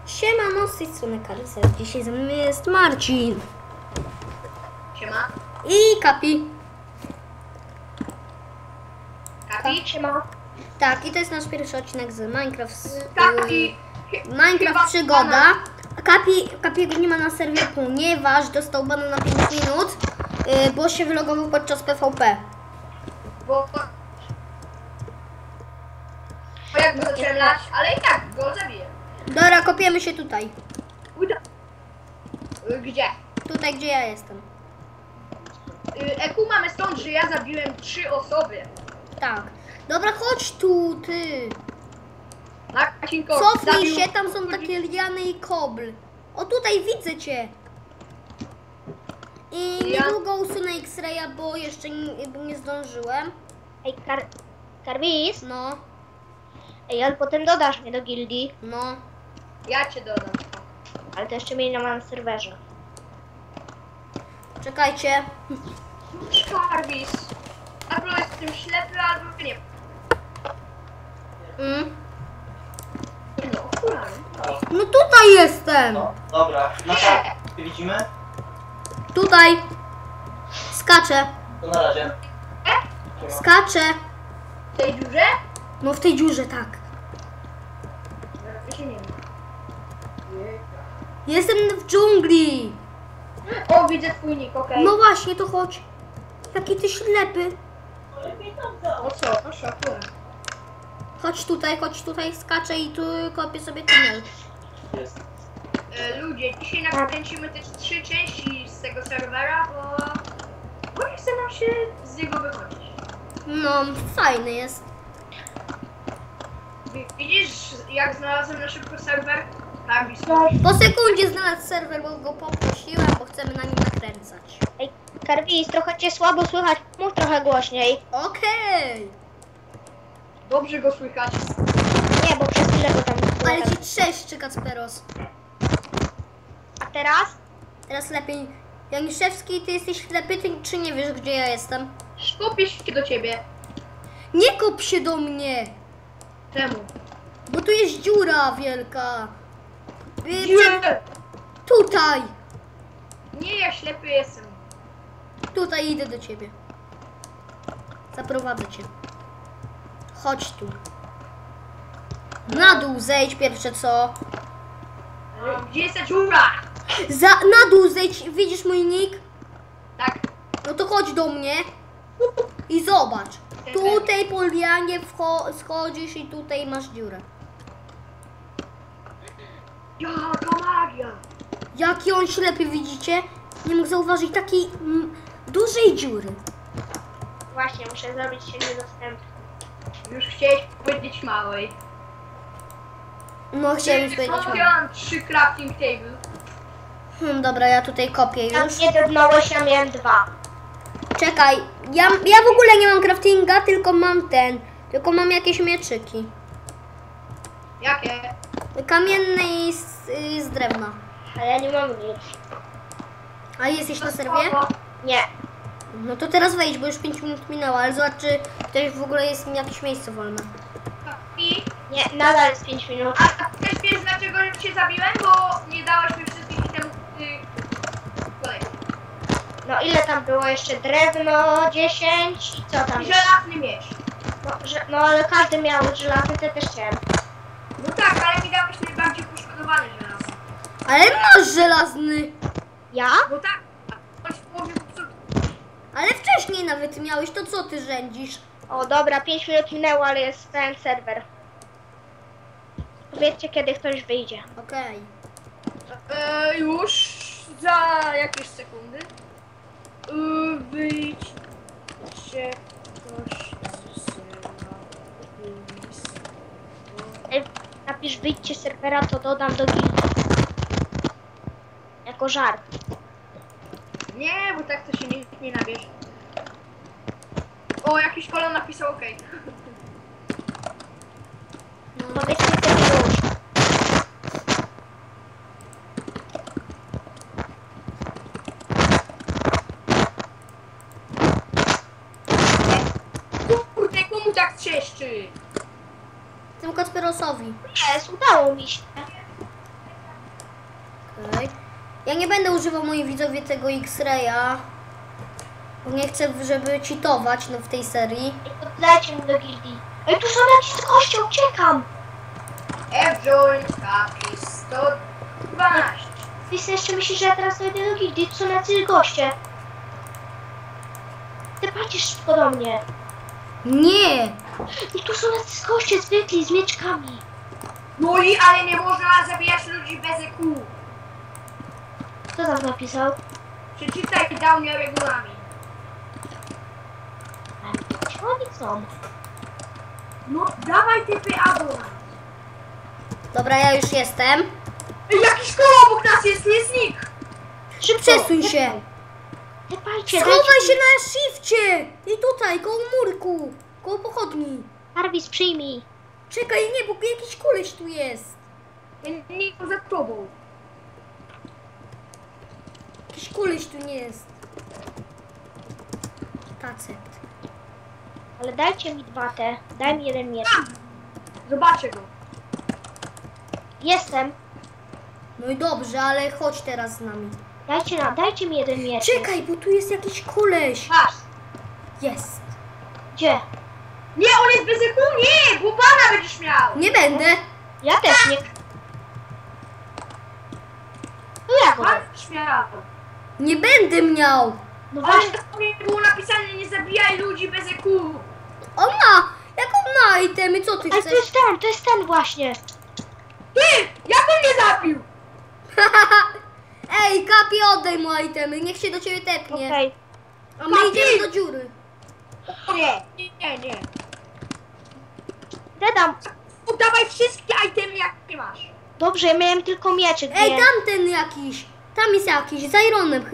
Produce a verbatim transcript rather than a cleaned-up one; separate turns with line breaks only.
Siemano, z tej strony Karyser. Dzisiaj ze mną jest Marcin.
Siema.
I Kapi.
Kapi, siema.
Tak, i to jest nasz pierwszy odcinek z Minecraft. Z,
Kapi.
y, Minecraft przygoda. A Kapi, Kapiego nie ma na serwie, ponieważ dostał bana na pięć minut, y, bo się wylogował podczas P V P.
Bo... Bo jakby zacząłem lać, ale i tak go zabiję.
Dobra, kopiemy się tutaj.
Uda. Gdzie?
Tutaj, gdzie ja jestem.
Eku mamy stąd, że ja zabiłem trzy osoby.
Tak. Dobra, chodź tu, ty.
Na Kacinko.
Cofnij
zabił...
się, tam są takie liany i kobl. O, tutaj widzę cię. I
Ja-
niedługo usunę X-raya, bo jeszcze nie, bo nie zdążyłem.
Ej, Kar Karwis?
No,
Ej, ale potem dodasz mnie do gildii.
no.
Ja cię dodam.
Ale to jeszcze mnie nie ma na serwerze.
Czekajcie.
Szkarwis. Albo jestem ślepy, albo nie.
Mm.
No, okulary.
No tutaj jestem.
No, dobra. Na tak, widzimy?
Tutaj. Skaczę.
To na razie.
Skaczę.
W tej dziurze?
No w tej dziurze, tak.
Ja się nie wiem.
Jestem w dżungli.
O, widzę twój nick, okej.
No właśnie, to chodź. Jaki ty ślepy.
No co, no szokuję.
Chodź tutaj, chodź tutaj, skaczę i tu kopię sobie tunel.
Jest.
E, ludzie, dzisiaj nakręcimy też trzy części z tego serwera, bo... Bo nie chce nam się z niego wychodzić.
No, fajny jest.
Widzisz, jak znalazłem na szybko serwer? Karwis.
Po sekundzie znalazł serwer, bo go poprosiłem, bo chcemy na nim nakręcać.
Ej, Karwis, trochę cię słabo słychać. Mów trochę głośniej.
Okej.
Dobrze go słychać.
Nie, bo przez chwilę go tam...
Ale ci trzeszczy, Kacperos.
A teraz?
Teraz lepiej. Janiszewski, ty jesteś ślepy, ty, czy nie wiesz, gdzie ja jestem?
Skupię się do ciebie.
Nie kop się do mnie,
Czemu?
bo tu jest dziura wielka. Y,
Nie!
Tutaj.
Nie, ja ślepy jestem.
Tutaj idę do ciebie. Zaprowadzę cię. Chodź tu. Na dół zejdź pierwsze co.
E, Gdzie jest ta dziura?
Za, na dół zejdź, widzisz mój nick?
Tak.
No to chodź do mnie i zobacz. Tutaj po lianie wcho- schodzisz i tutaj masz dziurę.
Jaka magia!
Jaki on ślepy, widzicie? Nie mógł zauważyć takiej mm, dużej dziury.
Właśnie, muszę zrobić się niedostępny.
Już chciałeś powiedzieć małej.
No chciałem już powiedzieć.
Ja mam trzy crafting table.
Hmm, dobra, ja tutaj kopię
Tam
już.
nie drobnąłeś, ja miałem dwa.
Czekaj, ja, ja w ogóle nie mam craftinga, tylko mam ten. Tylko mam jakieś mieczyki.
Jakie?
Kamienne i z, y, z drewna.
Ale ja nie mam nic.
A jesteś na serwie?
Nie.
No to teraz wejdź, bo już pięć minut minęło, ale zobacz, czy też w ogóle jest jakieś miejsce wolne.
I...
Nie, nadal jest pięć minut.
A też wiesz dlaczego cię zabiłem? Bo nie dałaś mi wszystkich itemów y... kolej.
No ile tam było jeszcze? Drewno dziesięć i co tam?
I żelazny miecz.
No, że, no ale każdy miał żelazny, to też chciałem.
No tak, ale mi dałeś najbardziej poszkodowany żelazny.
Ale masz żelazny!
Ja?
Bo tak, choć w połowie popsuty.
Ale wcześniej nawet miałeś, to co ty rządzisz?
O dobra, pięć minut minęło, ale jest pełen serwer. Powiedzcie, kiedy ktoś wyjdzie.
Okej.
E, już za jakieś sekundy. E, wyjdź się ktoś z serwera.
Ej, napisz wyjdźcie z serwera, to dodam do gildii. Jako żart.
Nie, bo tak to się nikt nie nabierze. O, jakiś kolon napisał OK.
Powiedzcie, kiedy już.
Kurde, komu tak trzeszczy?
Tym Kacperosowi.
Jest, udało mi się.
Okej. Ja nie będę używał, moi widzowie, tego X-Raya. Bo nie chcę, żeby cheatować no, w tej serii.
Dajcie mi do gildii. Ej, tu są jakieś goście, uciekam!
F-Joint, kapi, sto dwanaście.
Ty sobie jeszcze myślisz, że ja teraz dojdę do gildii? Tu są jacyś goście. Ty patrzysz szybko do mnie.
Nie!
I tu są jacyś goście zwykli, z mieczkami.
No i ale nie można zabijać ludzi bez E Q.
Kto tam napisał?
Przeczytaj downie regulamin.
A gdzie oni są?
No dawaj typy abonament.
Dobra, ja już jestem.
Ej, jakiś koło obok nas jest, nie znik.
Szybko!
Przesuń się!
Ty patrzcie,
Schowaj się na shifcie! I tutaj, koło murku! Koło pochodni.
Jarvis, przyjmij.
Czekaj, nie, bo jakiś koleś tu jest.
Ja nie jestem za tobą.
Jakiś koleś tu nie jest. Tacet.
Ale dajcie mi dwa te. Daj mi jeden miecz.
Zobaczę go.
Jestem.
No i dobrze, ale chodź teraz z nami.
Dajcie, na, dajcie mi jeden miecz.
Czekaj, bo tu jest jakiś koleś.
Masz.
Jest.
Gdzie?
Nie, on jest bez E Q, nie, bo pana będziesz miał.
Nie będę.
Ja też nie. No jak
Pan
on?
będziesz miał.
Nie będę miał.
No
Ale
właśnie.
to nie było napisane, nie zabijaj ludzi bez E Q.
On ma. Jak on ma itemy? Co ty
Ale to
chcesz?
jest ten, to jest ten właśnie.
Ty, jak on mnie zabił?
Ej, Kapi, oddaj mu itemy. Niech się do ciebie tepnie.
Okej.
A my
Kapi!
idziemy do dziury.
Nie, nie, nie, nie.
Dedam.
Oddawaj wszystkie itemy, jakie masz.
Dobrze, ja miałem tylko mieczyk.
Ej,
nie?
tamten jakiś. Tam jest jakiś, z Ironem